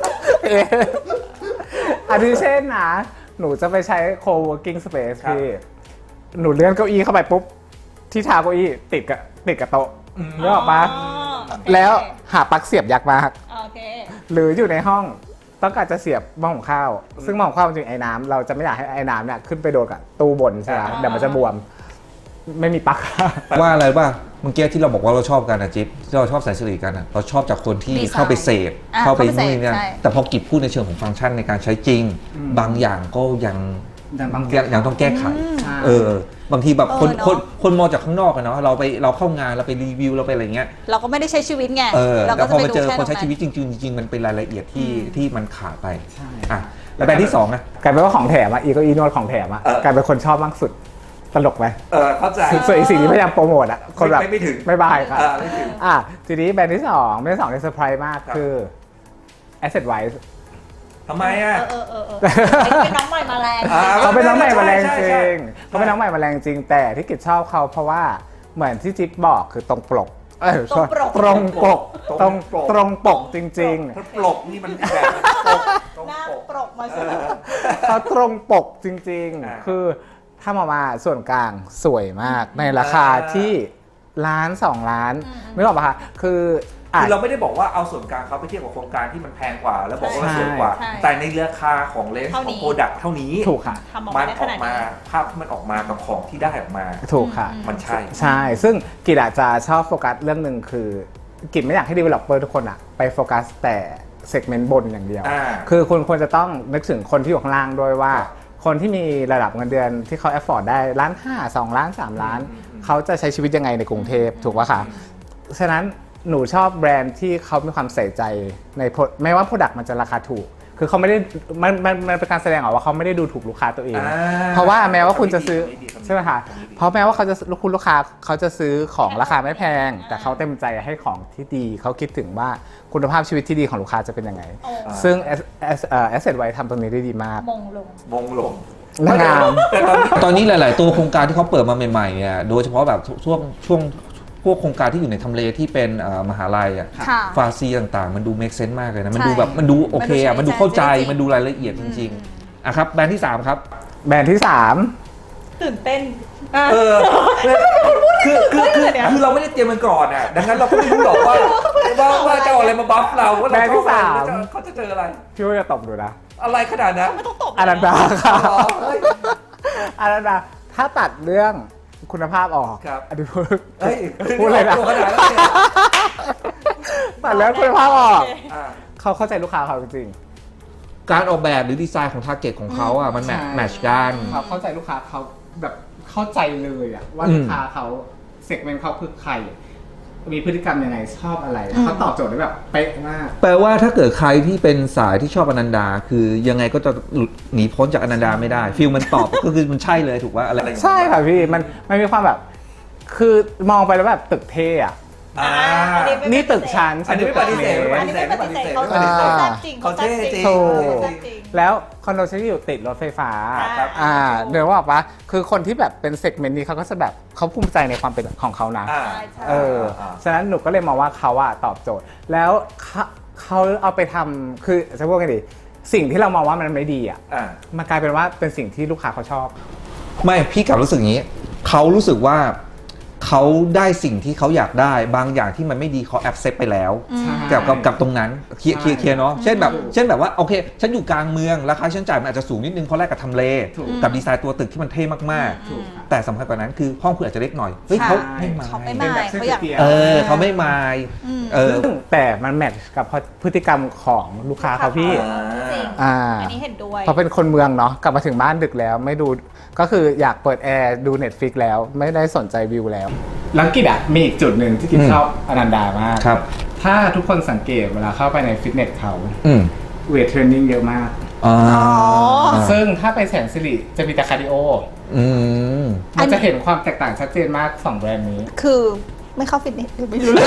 Speaker 3: อันนี้เช่นนะหนูจะไปใช้ co-working space พี่หนูเลื่อนเก้าอี้เข้าไปปุ๊บ ที่เท้าเก้าอี้ติดกับโต๊ะนึกออกปะแล้วหาปลั๊กเสียบยากมาก
Speaker 1: โอเค
Speaker 3: หรืออยู่ในห้องต้องการจะเสียบหม้อหุงข้าว ซึ่งหม้อหุงข้าวจริงๆไอ้น้ำเราจะไม่อยากให้ไอ้น้ำเนี่ยขึ้นไปโดนกับตู้บนใช่ไหมเดี๋ยวมันจะบวมไม่มีปลั๊ก
Speaker 2: ว่าอะไรป่ะเมื่อกี้ที่เราบอกว่าเราชอบกันนะจิ๊บที่เราชอบแสนสิริกันอะเราชอบจากคนที่
Speaker 1: ดีไซน์
Speaker 2: เข้าไปเสพ
Speaker 1: อ่ะ
Speaker 2: เข้าไป
Speaker 1: เข้าไป
Speaker 2: นู่นนี่นั่น
Speaker 1: เสพใช่
Speaker 2: แต่พอกิจพูดในเชิงของฟังก์ชันในการใช้จริง บางอย่างก็ยังยังต้องแก้ไข บางทีแบบคน
Speaker 1: เนอะ
Speaker 2: คนมองจากข้างนอกอะเนาะเราเข้างานเราไปรีวิวเราไปอะไรเงี้ย
Speaker 1: เราก็ไม่ได้ใช้ชีวิตไง เรา
Speaker 2: แต่
Speaker 1: ก็
Speaker 2: พอ
Speaker 1: จะไป
Speaker 2: มา
Speaker 1: ดู
Speaker 2: เจอ
Speaker 1: แค่
Speaker 2: คนใช้
Speaker 1: ตรง
Speaker 2: ชีวิต
Speaker 1: นั้น
Speaker 2: จริงๆมันเป็นรายละเอียดที่มันขาดไป
Speaker 3: ใช่
Speaker 2: อ่ะแล้วแบรนด์ที่สองอะ
Speaker 3: กลายเป็นว่าของแถมอ่ะอีโก็อีนวดของแถมอ่ะกลายเป็นคนชอบมากสุดตลกไหม
Speaker 4: เข้าใจ
Speaker 3: ส่วนอีกสิ่งที่พยายามโปรโมทอ่ะคนแบบ
Speaker 4: ไม่ถึง
Speaker 3: ไม่บายครับ
Speaker 4: ไม่ถึง
Speaker 3: ทีนี้แบรนด์ที่สองที่เซอร์ไพรส์มาก
Speaker 4: ครับ
Speaker 3: คือ Asset Wise
Speaker 4: ทำไมอ่ะ
Speaker 1: เป็นน้องใหม่มาแรง
Speaker 3: เขาเป็นน้องใหม่มาแรง
Speaker 4: ใช่
Speaker 3: จ
Speaker 4: ใช่
Speaker 3: ริงเขาเป็นน้องใหม่มาแรงจริงแต่ที่กิจชอบเขาเพราะว่าเหมือนที่จิ๊บบอกคือตรงปกตรงปกตรงปกจริง
Speaker 4: ถ้าปลกนี่มันแบบตรง
Speaker 1: หน้า
Speaker 4: ปก
Speaker 1: ปรกมาสิ
Speaker 3: ๆเขาตรงปกจริง
Speaker 4: อ่า
Speaker 3: ๆ คือถ้ามาส่วนกลางสวยมากในราคาที่ล้าน2 ล้านไม่บอกปะคะคือ
Speaker 4: คือเราไม่ได้บอกว่าเอาส่วนกลางเขาไปเทียบกับโครงการที่มันแพงกว่า แล้วบอกว่ามันสวยกว่า
Speaker 1: ใช่
Speaker 4: แต่ในราคาของเลนส์
Speaker 1: เท่า
Speaker 4: ข
Speaker 1: นี้
Speaker 4: องโปรดักต์เท่านี้
Speaker 3: ถูกค่ะ
Speaker 1: ทำออก
Speaker 4: มั
Speaker 1: มาน ได้
Speaker 4: อ
Speaker 1: ข
Speaker 4: อก
Speaker 1: นาด
Speaker 4: มา
Speaker 1: นี้
Speaker 4: ภาพที่มันออกมากับของที่ได้ออกมา
Speaker 3: ถูกค่ะ
Speaker 4: มันใช่
Speaker 3: ใช่ ซึ่งกิจอาจจะชอบโฟกัสเรื่องหนึ่งคือกิจไม่อยากให้ developer ทุกคนอะไปโฟกัสแต่เซกเมนต์บนอย่างเดียว คือคุณควรจะต้องนึกถึงคนที่อยู่ข้างล่างด้วยว่า คนที่มีระดับเงินเดือนที่เขา afford ได้1.5 ล้าน2 ล้าน3 ล้าน เขาจะใช้ชีวิตยังไงในกรุงเทพถูกป่ะคะฉะนั้นหนูชอบแบรนด์ที่เขามีความใส่ใจในไม่ว่า product มันจะราคาถูก คือเขาไม่ได้มันเป็นการแสดงออกว่าเขาไม่ได้ดูถูกลูกค้าตัวเอง เพราะว่าแม้ว่าคุณจะซื้อใช่ไหมคะเพราะแม้ว่าคุณลูกค้าเขาจะซื้อของราคาไม่แพง แต่เขาเต็มใจให้ของที่ดีเขาคิดถึงว่าคุณภาพชีวิตที่ดีของลูกค้าจะเป็นยังไง ซึ่ง Asset Wise ทำตรงนี้ได้ดีมาก
Speaker 1: มงลง
Speaker 4: มงลง
Speaker 3: งาม
Speaker 4: แต่ตอนนี้
Speaker 2: ตอนนี้หลาย ๆ ตัวโครงการที่เขาเปิดมาใหม่ๆเนี่ยโดยเฉพาะแบบช่วงพวกโครงการที่อยู่ในทำเลที่เป็นมหาลัยอ่ะ
Speaker 1: ค่ะ
Speaker 2: ฟาซีต่างๆ มันดูเมคเซนต์มากเลยนะมัน
Speaker 1: ใช่
Speaker 2: ดูแบบมันดูโอเคอ่ะ
Speaker 1: มั
Speaker 2: มัน
Speaker 1: นดู
Speaker 2: ดูเข้าใจ
Speaker 1: ใช้จริง
Speaker 2: มันดูรายละเอียดจริงๆอ่ะครับแบรนด์ที่ 3 ครับ
Speaker 3: แบรนด์ที่
Speaker 1: ตื่นเต้น
Speaker 4: คือเราไม่ได้เตรียมมันก่อนอ่ะดังนั้นเราก็ไม่รู้หรอกว่าจะเอาอะไรมาบัฟเราว่า
Speaker 3: แบร
Speaker 4: เรา
Speaker 3: นด์ที่
Speaker 4: ชอบ
Speaker 3: สาม
Speaker 4: อะไรเขาจะเจออะไร
Speaker 3: 3พี่ว่าจะตบดูนะ
Speaker 4: อะไรขนาดนั้น
Speaker 1: ไม่ต้องตบ
Speaker 3: อนันดาค่ะ
Speaker 4: อ๋อเฮ้ย
Speaker 3: อนันดาถ้าตัดเรื่องคุณภาพออก
Speaker 4: ครับ
Speaker 3: อันนี้พูด
Speaker 4: เฮ้ย
Speaker 3: พูดเลยนะ
Speaker 4: ตัวขนาดนั้นเลย
Speaker 3: ตัดเรื่องคุณภาพออก
Speaker 4: อ่า
Speaker 3: เขาเข้าใจลูกค้าเขาจริง
Speaker 2: การออกแบบหรือดีไซน์ของทาร์เก็ตของเขาอ่ะมันแมทช์กัน
Speaker 3: เขาเข้าใจลูกค้าเขาแบบเข้าใจเลยอะว่า
Speaker 2: อืม
Speaker 3: ลูกค้าเขาเซกเมนต์เขาคือใคร มีพฤติกรรมยังไงชอบอะไรเขาตอบโจทย์ได้แบบเป๊ะมาก
Speaker 2: แปลว่าถ้าเกิดใครที่เป็นสายที่ชอบอนันดา คือยังไงก็จะหลุดหนีพ้นจากอนันดาไม่ได้ฟิลมันตอบ ก็คือมันใช่เลยถูกว่าอะไร
Speaker 3: ใช่ค่ะพี่มันมีความแบบ คือมองไปแล้วแบบตึกเท่อะ
Speaker 4: อ่า
Speaker 3: นี่ตึกชั้น
Speaker 4: อันนี้ไม่ปฏิเสธ
Speaker 1: อันนี้ไม่ปฏิเสธเขา
Speaker 4: ไม่ปฏิเสธ
Speaker 1: แซ่บจริง
Speaker 4: เขาเท่จริง
Speaker 3: ถูก
Speaker 1: แซ่บจริง
Speaker 3: แล้วคอนโดฉันอยู่ติดรถไฟฟ้า
Speaker 4: ครับ
Speaker 3: เดี๋ยวว่าปะคือคนที่แบบเป็นเซกเมนต์นี้เขาก็จะแบบเขาภูมิใจในความเป็นของเขานะ
Speaker 4: อ่า
Speaker 1: ใช่
Speaker 3: ฉะนั้นหนูก็เลยมองว่าเขาอะตอบโจทย์ แล้วเขาเอาไปทำคือจะพูดกันดีสิ่งที่เรามองว่ามันไม่ดีอะ
Speaker 4: อ่า
Speaker 3: มันกลายเป็นว่าเป็นสิ่งที่ลูกค้าเขาชอบ
Speaker 2: ไม่พี่กลับรู้สึกอย่างนี้เขารู้สึกว่าเขาได้สิ่งที่เขาอยากได้บางอย่างที่มันไม่ดีเขาแอบเซปไปแล้ว
Speaker 3: ใช่
Speaker 2: กับตรงนั้นเคลียร์เนาะเช่นแบบว่าโอเคฉันอยู่กลางเมืองราคาฉันจ่ายมันอาจจะสูงนิดนึงเพราะแรกกับทำเล
Speaker 3: ถูก
Speaker 2: กับดีไซน์ตัวตึกที่มันเท่มาก
Speaker 3: ถูกค่ะ
Speaker 2: ๆแต่สำคัญกว่านั้นคือห้องคุณอาจจะเล็กหน่อยเฮ้ยเขาไม่มา
Speaker 1: เขาไม่
Speaker 3: เป็น
Speaker 1: มา
Speaker 3: แบบเส้น
Speaker 1: เขาอยาก
Speaker 3: เตี๋ยว
Speaker 2: เขาไม่มาเออ
Speaker 3: ซึ่งแต่มันแมทช์กับพฤติกรรมของลูกค้าเขาพี่
Speaker 1: จริง อันนี้เห็นด้วย
Speaker 3: เพราะเป็นคนเมืองเนาะกลับมาถึงบ้านดึกแล้วไม่ดูก็คืออยากเปิดแอร์ดู Netflix แล้วไม่ได้สนใจวิวแล้วแล้วกิจอะมีอีกจุดหนึ่งที่กิจชอบอนันดามาก
Speaker 2: ครับ
Speaker 3: ถ้าทุกคนสังเกตเวลาเข้าไปในฟิตเนสเขา
Speaker 2: อืม
Speaker 3: เวทเทรนนิ่งเยอะมาก
Speaker 2: อ๋อ
Speaker 3: ซึ่งถ้าไปแสนสิริจะมีแต่คาร์ดิโอ
Speaker 2: อืม
Speaker 3: มันจะเห็นความแตกต่างชัดเจนมาก2แบรนด์นี้
Speaker 1: คือไม่เข้าฟิตเนสหรือไม่รู้เลย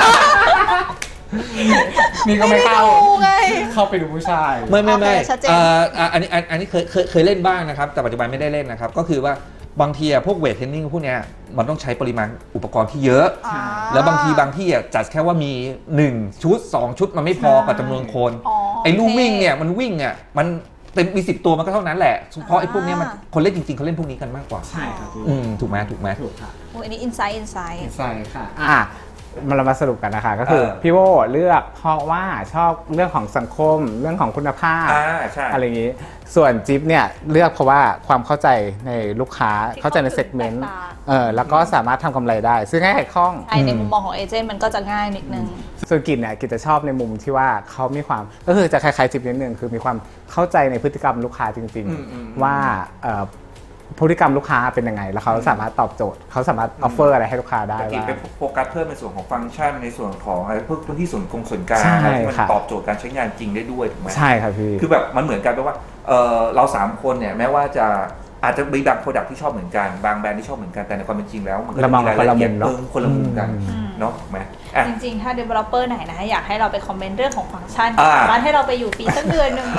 Speaker 3: นี่ก็ไม่เข้า
Speaker 1: ไม่ได้ดูไง
Speaker 3: เข้าไปดูผู้ชาย
Speaker 2: ไม่
Speaker 1: โอเคชัดเจน
Speaker 2: อันนี้เคยเล่นบ้างนะครับ แต่ปัจจุบันไม่ได้เล่นนะครับ ก็คือว่าบางทีพวกเวทเทรนนิ่งพวกเนี้ยมันต้องใช้ปริมาณอุปกรณ์ที่เยอะ
Speaker 1: อ่า
Speaker 2: แล้วบางที่จัดแค่ว่ามี1ชุด2ชุดมันไม่พอกับจำนวนคน
Speaker 1: อ๋อ
Speaker 2: ไอ้ลูก
Speaker 1: โอเค
Speaker 2: วิ่งเนี่ยมันวิ่งอ่ะมันเต็มมี10 ตัวมันก็เท่านั้นแหละเพราะไอ้พวกเนี้ยมันคนเล่นจริงๆเขาเล่นพวกนี้กันมากกว่า
Speaker 3: ใช่ครับพี่
Speaker 2: ถูกไหม
Speaker 1: โอ้อันนี้อินไซต์
Speaker 3: ใช่ค่ะเรามาสรุปกันนะคะก็คือพี่โวเลือกเพราะว่าชอบเรื่องของสังคมเรื่องของคุณภาพ
Speaker 4: ใช่
Speaker 3: อะไรอย่างนี้ส่วนจิ๊บเนี่ยเลือกเพราะว่าความเข้าใจในลูกค้าเข้าใจในเซกเมนต์แล้วก็สามารถทำกำไรได้ซึ่งง่ายคล่อง
Speaker 1: ใช่ในมุมมองของเอเจนต์มันก็จะง่ายนิดนึง
Speaker 3: ส่วนกิจเนี่ยกิจจะชอบในมุมที่ว่าเขามีความก็คือจะคล้ายๆจิ๊บนิดนึงคือมีความเข้าใจในพฤติกรรมลูกค้าจริงๆว่าพฤติกรรมลูกค้าเป็นยังไงแล้วเขาสามารถตอบโจทย์เขาสามารถออฟเฟอร์อะไรให้ลูกค้าได้
Speaker 4: แต่กิจ
Speaker 3: ว่า
Speaker 4: ไปโฟกัสเพิ่มในส่วนของฟังก์ชันในส่วนของอะไรพวกพื้นที่ส่วนกลาง
Speaker 3: ใช่
Speaker 4: ที่มัน
Speaker 3: ค่ะ
Speaker 4: ตอบโจทย์การใช้งานจริงได้ด้วยถูกไหม
Speaker 3: ใช่ครับพี่
Speaker 4: คือแบบมันเหมือนกันแปลว่าเรา3คนเนี่ยแม้ว่าจะอาจจะมีบางโปรดักที่ชอบเหมือนกันบางแบรนด์ที่ชอบเหมือนกันแต่ในความเป็นจริงแล้วมันก็จะมีรายละเอียดคนละมุมกันเนาะถูกไหม
Speaker 1: จริงๆ ถ้า developer ไหนนะอยากให้เราไปคอมเมนต์เรื่องของฟังก์ชัน
Speaker 4: อ่า
Speaker 1: สามารถให้เราไปอยู่ฟรีสักเดือนหนึ่ง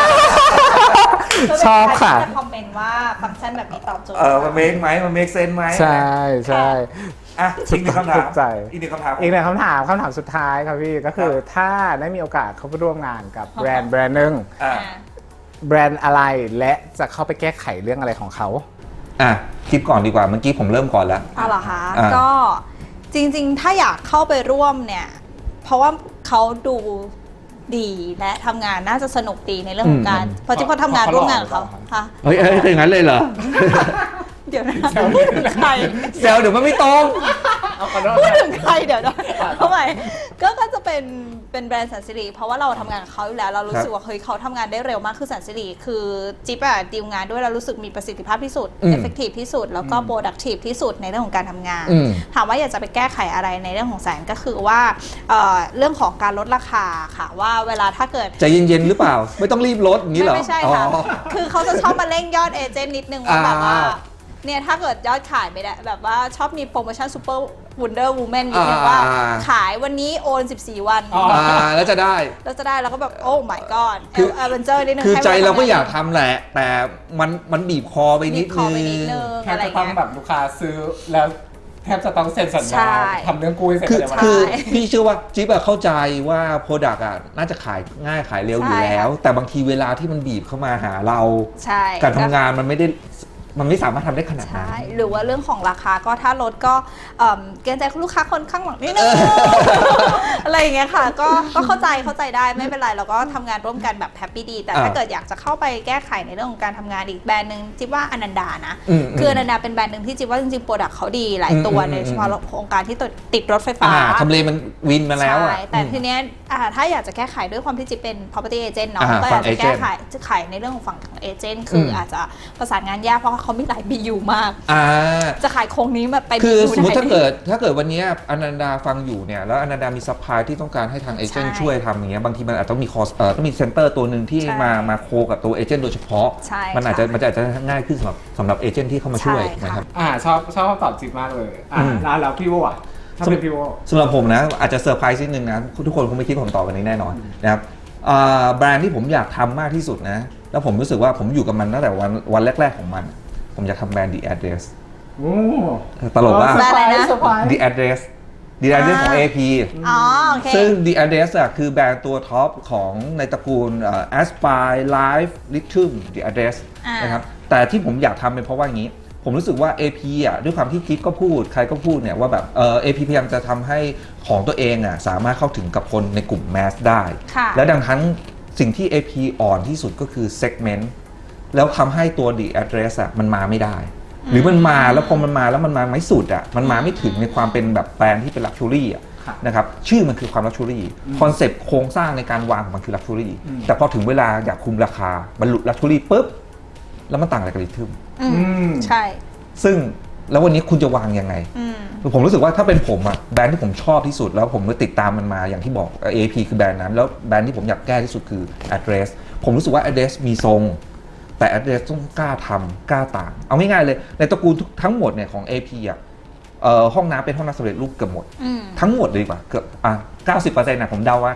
Speaker 3: ชอบค่ะ
Speaker 1: จะคอมเมนต์ว่าฟังก์ชันแบบนี้ตอบโจทย์
Speaker 4: มันเมคไหมมันเมคเซนไหม
Speaker 3: ใช่ใช่
Speaker 4: อ่ะอีกหนึ่งคำถาม
Speaker 3: ถูกใจ
Speaker 4: อีกหนึ่งคำถาม
Speaker 3: อีกหนึ่งคำถามสุดท้ายครับพี่ก็คือถ้าได้มีโอกาสเข้าไปร่วมงานกับแบรนด์หนึ่ง
Speaker 4: อ่ะ
Speaker 3: แบรนด์อะไรและจะเข้าไปแก้ไขเรื่องอะไรของเขา
Speaker 2: คิดก่อนดีกว่าเมื่อกี้ผมเริ่มก่อนแล้ว
Speaker 1: เอาเหรอคะ
Speaker 2: อ่า
Speaker 1: ก็จริงๆ ถ้าอยากเข้าไปร่วมเนี่ย เพราะว่าเขาดูดีและทำงานน่าจะสนุกดีในเรื่องของการเพราะที่เขาทำงานร่วมงานกับเขาค่ะ
Speaker 2: เฮ้ยเป็นอย่างนั้นเลยเหรอ
Speaker 1: เดี๋ยวนะพูดถึงใคร
Speaker 2: เซลเดี๋ยวมันไม่ตรง
Speaker 1: พูดถึงใครเดี๋ยวนะทำไมก็จะเป็นแบรนด์สันสิริเพราะว่าเราทำงานกับเขาอยู่แล้วเรารู้สึกว่าเฮ้ยเขาทำงานได้เร็วมากคือสันสิริคือจิ๊บอะดีลงานด้วยเรารู้สึกมีประสิทธิภาพที่สุด effective ที่สุดแล้วก็ productive ที่สุดในเรื่องของการทำงาน ถามว่าอยากจะไปแก้ไขอะไรในเรื่องของแสนก็คือว่าเรื่องของการลดราคาค่ะว่าเวลาถ้าเกิด
Speaker 2: ใจเย็นๆหรือเปล่า ไม่ต้องรีบลดอย่างนี้เหรอ
Speaker 1: ไม่ใช่ค่ะ
Speaker 2: อ๋อ
Speaker 1: คือเขาจะชอบมาเร่งยอดเอเจนต์นิดนึงว่าแบบว่า
Speaker 2: อ่า
Speaker 1: เนี่ยถ้าเกิดยอดขายไม่ได้แบบว่าชอบมีโปรโมชั่นซูเปอร์วูนเดอร์วูแมนนิดนึงว่า ขายวันนี้โอน 14 วัน
Speaker 2: แล้วจะได้
Speaker 1: แล้วจะได้แล้วก็แบบโอ้ my god
Speaker 2: คือ
Speaker 1: เอเวนเจอร์นิดนึง
Speaker 2: คือ
Speaker 1: ให้
Speaker 2: ใจเราก็
Speaker 1: ทำงน
Speaker 2: อยากทำแหละ แต่มันบีบคอไปนิด
Speaker 1: ขอ
Speaker 2: นึ
Speaker 1: ไปนิด
Speaker 2: ง
Speaker 1: นึง
Speaker 3: แทบ
Speaker 1: อะไร
Speaker 3: จะต้อง
Speaker 1: เงี้ย
Speaker 3: แบบลูกค้าซื้อแล้วแทบจะต้องเซ็นสัญ
Speaker 1: ใช่
Speaker 3: ญาทำเรื่องกู้ให้เสร็จ
Speaker 2: คือ
Speaker 3: ในวัน
Speaker 2: คื
Speaker 3: นั้
Speaker 2: อน พี่เชื่อว่าจิ๊บอะเข้าใจว่าโปรดักต์อะน่าจะขายง่ายขายเร็วอยู่แล้ว แต่บางทีเวลาที่มันบีบเข้ามาหาเรา
Speaker 1: ใช่
Speaker 2: การทำงานมันไม่สามารถทำได้ขนาดนั้น
Speaker 1: ใช่หรือว่าเรื่องของราคาก็ถ้าลดก็เกรงใจลูกค้าคนข้างหลังนิดนึง อะไรอย่างเงี้ยค่ะก็เข้าใจได้ไม่เป็นไรเราก็ทำงานร่วมกันแบบแฮปปี้ดีแต่ถ้าเกิดอยากจะเข้าไปแก้ไขในเรื่องของการทำงานอีกแบรนด์หนึ่งจิ๊บว่าอนันดานะคืออนันดาเป็นแบรนด์หนึ่งที่จิ๊บว่าจริงๆโปรดักต์เขาดีหลายตัวในเฉพาะโครงการที่ติดรถไฟฟ้า
Speaker 2: ทำเลมันวินมาแล้วอะ
Speaker 1: ใช่แต่ทีเนี้ยถ้าอยากจะแก้ไขด้วยความที่จิ๊บเป็น property agent เนาะ
Speaker 2: อ่า
Speaker 1: ก็อยาก
Speaker 2: ฝั่
Speaker 1: จะ
Speaker 2: ง
Speaker 1: แก้
Speaker 2: agent
Speaker 1: ไขในเรื่องของฝั่งของเอเจนต์คืออาจจะประสานงานยากเพราะว่าเขามีหลาย BU มาก จะขายโครงนี้มาไป
Speaker 2: คือ
Speaker 1: BU
Speaker 2: สมมติ
Speaker 1: ไหน
Speaker 2: ถ้าเกิดวันนี้อนันดาฟังอยู่เนี่ยแล้วอนันดามีซัพพลายที่ต้องการให้ทางเอเจนต์
Speaker 1: ใช่
Speaker 2: ช่วยทำอย่างเงี้ยบางทีมันอาจจะต้องมีคอสต้องมีเซ็นเตอร์ตัวหนึ่งที่
Speaker 1: ใช่
Speaker 2: มาโคกับตัวเอเจนต์โดยเฉพาะ
Speaker 1: ใช่
Speaker 2: มันอาจจะ
Speaker 1: ค่ะ
Speaker 2: ง่ายขึ้นสำหรับเอเจนต์ที่เข้ามาช่วย
Speaker 1: ใช่ค่ะ
Speaker 2: นะครับ
Speaker 3: ชอบคำตอบจิ๊บมากเลยแล้วพี่โวอ่ะถ้าเป็นพี่โว
Speaker 2: สำหรับผมนะอาจจะเซอร์ไพรส์นิดนึงนะทุกคนคงไม่คิดผมตอบวันนี้แน่นอนนะครับแบรนด์ที่ผมอยากทำมากที่สุดนะแล้วผมรู้สึกว่าผมอยู่กับมันตั้งแต่วันแรกๆของมัน ผมอยากทำแบรนด์ The Address
Speaker 3: โอ้
Speaker 2: ตลกว่า
Speaker 1: แบรนด์อะไรนะ
Speaker 2: The Address The Address ของ AP
Speaker 1: อ๋อโอเค
Speaker 2: ซึ่ง The Address อะคือแบรนด์ตัวท็อปของในตระกูลAspire Life Lithium The Address นะครับแต่ที่ผมอยากทำเป็นเพราะว่าอย่างนี้ ผมรู้สึกว่า AP อะด้วยความที่คิดก็พูดใครก็พูดเนี่ยว่าแบบAP พยายามจะทำให้ของตัวเองอะสามารถเข้าถึงกับคนในกลุ่มแมสได้
Speaker 1: ค่ะ
Speaker 2: และดังนั้นสิ่งที่ AP อ่อนที่สุดก็คือ segment แล้วทำให้ตัว The Address อะมันมาไม่ได้ หรือมันมาแล้วพอมันมาแล้วมันมาไม่สุดอ่ะมันมาไม่ถึงในความเป็นแบบแบรนด์ที่เป็นลักชัวรี่อ่ะนะครับชื่อมันคือความลักชัวรี่คอนเซปต์โครงสร้างในการวางของมันคือลักชัวรี่แต่พอถึงเวลาอยากคุมราคาบรรลุลักชัวรี่ปุ๊บแล้วมันต่างอะไรกับลิทึม
Speaker 1: ใช่
Speaker 2: ซึ่งแล้ววันนี้คุณจะวางยังไงผมรู้สึกว่าถ้าเป็นผมอ่ะแบรนด์ที่ผมชอบที่สุดแล้วผมก็ติดตามมันมาอย่างที่บอก AP คือแบรนด์นั้นแล้วแบรนด์ที่ผมอยากแก้ที่สุดคือ Address ผมรู้สึกว่า Address มีทรงแต่ Address ต้องกล้าทำกล้าต่างเอาง่ายๆเลยในตระกูลทั้งหมดเนี่ยของ AP อ่ะห้องน้ำเป็นห้องน้ำสำเร็จรูปเกือบหมดทั้งหมดเลยดีกว่าเกือบ90%นะผมเดาว่า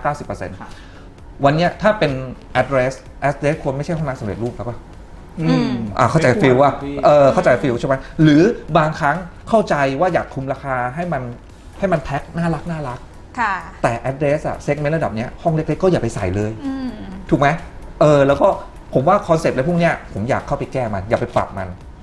Speaker 2: 90% วันเนี้ยถ้าเป็น address ควรไม่ใช่ห้องน้ำสำเร็จรูปแล้วป่ะเข้าใจฟิลว่าเข้าใจฟิลใช่ไหมหรือบางครั้งเข้าใจว่าอยากคุมราคาให้มันแพ็คน่ารัก
Speaker 1: ค่ะ
Speaker 2: แต่ address อะ segment ระดับเนี้ยห้องเล็กๆก็อย่าไปใส่เลยถูกไหมแล้วก็ผมว่าคอนเซ็ปต์อะไรพวกเนี้ยผมอยากเข้าไปแก้มันอย่าไปปรับมันผม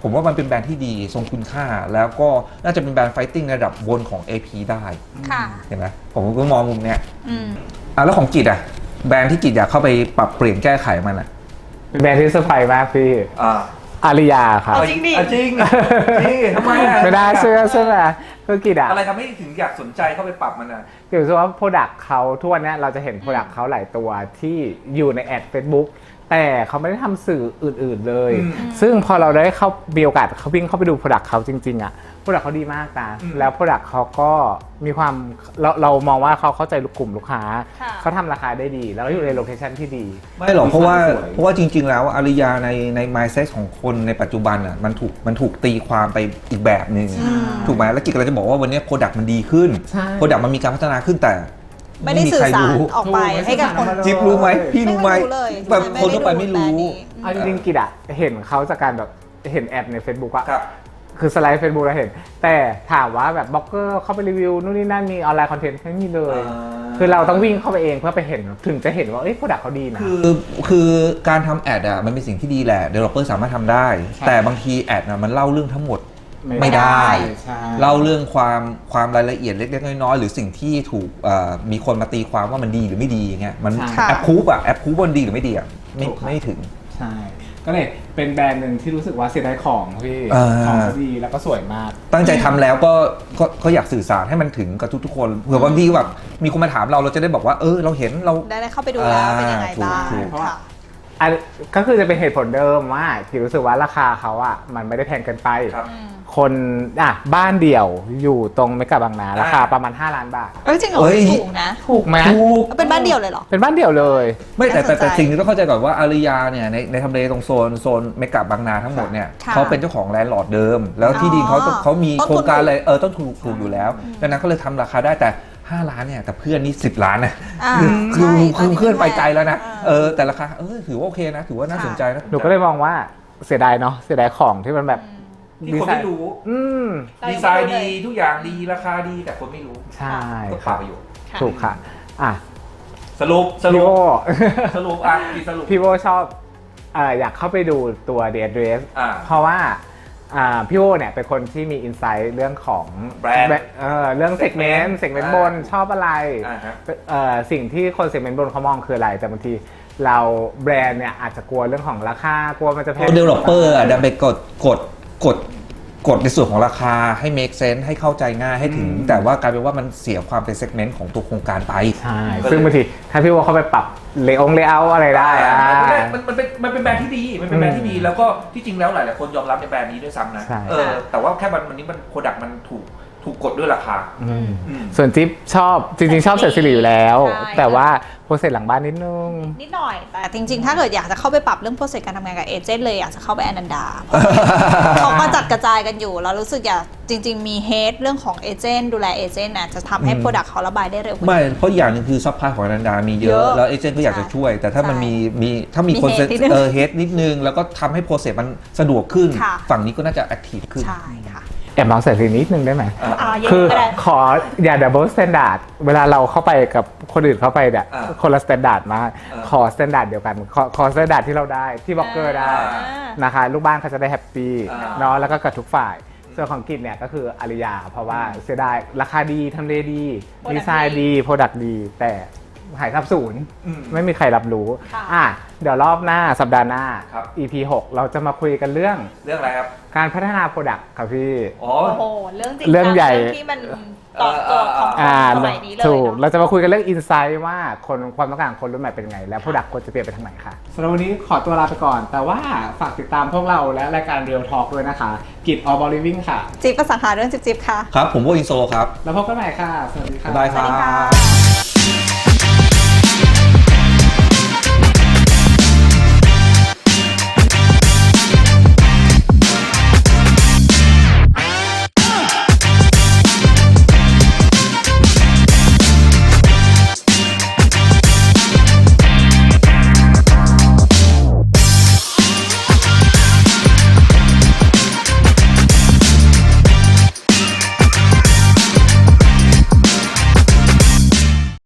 Speaker 2: ผมว่ามันเป็นแบรนด์ที่ดีทรงคุณค่าแล้วก็น่าจะเป็นแบรนด์ไฟติ้งระดับบนของ AP ได้
Speaker 1: ค่ะ
Speaker 2: เห็นไหมผมก็มองมุมเนี้ย
Speaker 1: อืม
Speaker 2: แล้วของกิจแบรนด์ที่กิจอยากเข้าไปปรับเปลี่ยนแก้ไขมัน
Speaker 3: เป็นแบรนด์ที่เซอร์ไพรส์มากพี่ อาริยาครับ
Speaker 1: เอาจริงดิ
Speaker 4: จริงนี่ทำไมอะ
Speaker 3: ไม่ได้เชื่อใช่ไหมคือกิจอะ
Speaker 4: อะไรทำให้ถึงอยากสนใจเข้าไปปรับมันอ่ะ
Speaker 3: กิจรู้สึกว่าโปรดักต์เขาทุกวันนี้เราจะเห็นโปรดักต์เขาหลายตัวที่อยู่ในแอด Facebook แต่เขาไม่ได้ทำสื่ออื่นๆเลย ซึ่งพอเราได้เข้ามีโอกาสเขาวิ่งเข้าไปดูโปรดักต์เขาจริงๆอะโปรดักต์เขาดีมากนะแล้วโปรดักต์เขาก็มีความเรามองว่าเขาเข้าใจกลุ่มลูกค้า
Speaker 1: ค่ะ
Speaker 3: เขาทำราคาได้ดี แล้วก็อยู่ในโลเคชั่นที่ดี
Speaker 2: ไม่หรอกเพราะว่า
Speaker 3: สย
Speaker 2: เพราะว่าจริง ๆ แล้วอาริยาใน mindset ของคนในปัจจุบันมันถูกตีความไปอีกแบบหนึ่งถูกไหมแล้วกิจกำลังจะบอกว่าวันนี้โปรดักต์มันดีขึ้น
Speaker 3: ใช่
Speaker 2: โปรดักต์มันมีการพัฒนาขึ้นแต่
Speaker 1: ไม่ได้สื่อสารออกไปให้กับคน
Speaker 2: จิ๊บรู้ไหมพี่รู้ไหม
Speaker 1: ไม่รู้เลย
Speaker 2: แบบคนทั่วไปไม่รู้
Speaker 3: เอาจริงๆกิจอะเห็นเขาจากการแบบเห็นแอดใน Facebook อะ
Speaker 4: ครับ
Speaker 3: คือสไลด์ Facebook เราเห็น แต่ถามว่าแบบบล็อกเกอร์เข้าไปรีวิวนู่นนี่นั่นมีออนไลน์คอนเทนต์ไม่มีเลย คือเราต้องวิ่งเข้าไปเองเพื่อไปเห็นถึงจะเห็นว่าเอ้ยโปรดักต์เขาดีนะ
Speaker 2: คือการทำแอดมันเป็นสิ่งที่ดีแหละ developer สามารถทำได้
Speaker 3: ใช่
Speaker 2: แต่บางทีแอดมันเล่าเรื่องทั้งหมด
Speaker 3: ไม่
Speaker 2: ไม่
Speaker 3: ได้
Speaker 2: ได้
Speaker 3: ใช่
Speaker 2: เล่าเรื่องความรายละเอียดเล็กๆน้อยๆหรือสิ่งที่ถูกมีคนมาตีความว่ามันดีหรือไม่ดีอย่างเงี้ยมัน
Speaker 3: ใช่
Speaker 2: แอปพูฟมันดีหรือไม่ดีไม่ถึง
Speaker 3: ใช่ ก็เลยเป็นแบรนด์หนึ่งที่รู้สึกว่าเสียดายของพี่
Speaker 2: อ่า
Speaker 3: ของเขาดีแล้วก็สวยมาก
Speaker 2: ตั้งใจทำแล้วก็อยากสื่อสารให้มันถึงกับทุกๆคนเผื่อบางทีแบบมีคนมาถามเราจะได้บอกว่าเราเห็นเรา
Speaker 1: ได้เข้าไปดูแล้วเป็นยังไงบ้าง
Speaker 2: ถูก
Speaker 1: ค่ะ
Speaker 3: อันก็คือจะเป็นเหตุผลเดิมว่าที่รู้สึกว่าราคาเขาอ่ะมันไม่ได้แพงเกินไป
Speaker 4: ครับ
Speaker 3: คนบ้านเดี่ยวอยู่ตรงเมกะบางนาราคาประมาณ5 ล้านบาท
Speaker 1: จริงเหรอ
Speaker 2: เอ้ย
Speaker 1: ถูกนะ
Speaker 3: ถูกไหม
Speaker 2: ถูก
Speaker 1: เป็นบ้านเดี่ยวเลยเหรอ
Speaker 3: เป็นบ้านเดี่ยวเลย
Speaker 2: ไม่แต่
Speaker 1: น่าสนใจ
Speaker 2: สิ่งที่ต้องเข้าใจก่อนว่าอาริยาเนี่ยในทำเลตรงโซนเมกะบางนาทั้งหมดเนี่ย
Speaker 1: ค่ะ
Speaker 2: เขาเป็นเจ้าของแลนด์ลอร์ดเดิม แล้วที่ดินเขามี
Speaker 1: ต้นทุน
Speaker 2: โครงการอะไรต้นทุนถูกอยู่แล้วดังนั้นก็เลยทำราคาได้แต่ 5 ล้านเนี่ยแต่เพื่อนนี่10 ล้านนะ คือ
Speaker 1: ใช่
Speaker 2: เพื่อนไปไกลแล้วนะ
Speaker 1: อ่า
Speaker 2: แต่ราคาถือว่าโอเคนะถือว่าน่าสนใจนะ
Speaker 3: หนูก็เลยมองว่าเสียดายเนาะเสียดายของที่มันแบบ
Speaker 4: ที่คนไม่รู้
Speaker 3: อืม
Speaker 4: ดีไซน์ดีทุกอย่างดีราคาดีแต่คนไม่รู้
Speaker 3: ใช่
Speaker 4: ก็เป
Speaker 3: ครั
Speaker 4: ล่า
Speaker 3: บ
Speaker 4: ประโยชน์
Speaker 1: ค่ะ
Speaker 3: ถูกค่ะอ่ะ
Speaker 4: สรุป
Speaker 3: พี่โบ
Speaker 4: สรุปพี่สรุป
Speaker 3: พี่โบชอบอยากเข้าไปดูตัว The Address เพราะว่าพี่โบเนี่ยเป็นคนที่มีอินไซต์เรื่องของ
Speaker 4: แบรนด์
Speaker 3: เรื่องเซกเมนต์บนชอบอะไร
Speaker 4: ฮะ
Speaker 3: สิ่งที่คนเซกเมนต์บนเขามองคืออะไร แต่บางทีเราแบรนด์เนี่ยอาจจะกลัวเรื่องของราคากลัวมันจะแพ
Speaker 2: ตัว
Speaker 3: ง
Speaker 2: developer ดันไปกดในส่วนของราคาให้ make sense ให้เข้าใจง่ายให้ถึง แต่ว่ากลายเป็นว่ามันเสียความเป็น segment ของตัวโครงการไป
Speaker 3: ใช่ ซึ่งบางทีถ้าพี่โบเข้าไปปรับเลเยอร์อะไรได้
Speaker 4: มันเป็นแบรนด์ที่ดีมันเป็นแบรนด์ที่ดีแล้วก็ที่จริงแล้วหลายๆคนยอมรับในแบรนด์นี้ด้วยซ้ำนะ
Speaker 3: ใช่
Speaker 4: แต่ว่าแค่วันนี้มันโปรดักต์มันถูกกดด้วยราคา
Speaker 3: ส่วนจิ๊บชอบจริงๆชอบเสร็จสิริอยู่แล้ว
Speaker 1: ใช่
Speaker 3: แต่ว่าโปรเซสหลังบ้านนิดนึง
Speaker 1: นิดหน่อย แต่จริงๆ ถ้าเกิดอยากจะเข้าไปปรับเรื่องโปรเซสการทำงานกับเอเจนต์เลยอยากจะเข้าไปอนันดาเขาก็จัดกระจายกันอยู่แล้วรู้สึกอยากจริง ๆ มีเฮดเรื่องของเอเจนต์ดูแลเอเจนต์น่ะจะทำให้โปรดักต์เขาระบายได้เร็วกว่า
Speaker 2: ไม่เพราะอย่างหนึงคือซัพพลายของอนันดามีเย
Speaker 1: เย
Speaker 2: อะ
Speaker 1: อะ
Speaker 2: แล้วเอเจนต์ก็อยากจะช่วย แต่ถ้ามัน
Speaker 1: ใช่
Speaker 2: ถ้ามีคน
Speaker 1: มี head นิดนึง
Speaker 2: เฮดนิดนึง แล้วก็ทำให้โปรเซสมันสะดวกขึ้น
Speaker 1: ค่ะ
Speaker 2: ฝั่งนี้ก็น่าจะแอคทีฟขึ้น
Speaker 1: ใช่ค่ะ
Speaker 3: แอบลองใส่สีนิดนึงได้ไหม
Speaker 1: เย็น
Speaker 3: คือ
Speaker 1: ก็ได้
Speaker 3: ขออย่าดับเบิลสแตนดาร์ดเวลาเราเข้าไปกับคนอื่นเข้าไปเนี่ย
Speaker 4: อ่า
Speaker 3: คนละสแตนดาร์ดมาก
Speaker 4: อ่า
Speaker 3: ขอสแตนดาร์ดเดียวกัน ขอสแตนดาร์ดที่เราได้ที่บล็อกเกอร์ได้
Speaker 4: อ่า
Speaker 3: นะคะลูกบ้านเขาจะได้แฮปปี้
Speaker 4: อ่า
Speaker 3: เนาะแล้วก็กับทุกฝ่าย ส่วนของกิจเนี่ยก็คืออาริยา เพราะว่าเสียดายราคาดีทำเลดี
Speaker 1: Product
Speaker 3: ดีไซน์ดีโปรดักต์ดี แต่หายทับศูนย์ไม่มีใครรับรู้
Speaker 1: ค่ะ
Speaker 3: เดี๋ยวรอบหน้าสัปดาห์หน้า
Speaker 4: ครับ
Speaker 3: EP 6 เราจะมาคุยกันเรื่อง
Speaker 4: เรื่องอะไรครับ
Speaker 3: การพัฒนาโปรดักต์ครับพี่
Speaker 4: อ๋อ
Speaker 1: โอ้โหเรื่องจริง
Speaker 3: เรื่องใหญ่
Speaker 1: เรื่องที่มันตอบโจทย์ของคนสมัยนี้เลย
Speaker 3: ถูก
Speaker 1: เน
Speaker 3: เรา
Speaker 1: อะ
Speaker 3: จะมาคุยกันเรื่องอินไซต์ว่าความต้องการของคนรุ่นใหม่เป็นไง และโปรดักต์ควรจะเปลี่ยนไปทางไหนค่ะสำหรับวันนี้ขอตัวลาไปก่อน แต่ว่าฝากติดตามพวกเราและรายการ Real Talk ด้วยนะคะ กิจ All About Living ค่ะ
Speaker 1: จิ๊บภาษาหาเรื่องจิ๊บค่ะ
Speaker 2: ครับ ผมโบอินโซครับ
Speaker 3: แล้วพบกันใหม่ค่ะ สวัสดีค่ะ
Speaker 2: บ๊ายบาย
Speaker 1: สวัสดี
Speaker 2: ครั
Speaker 1: ค่ะ
Speaker 2: บ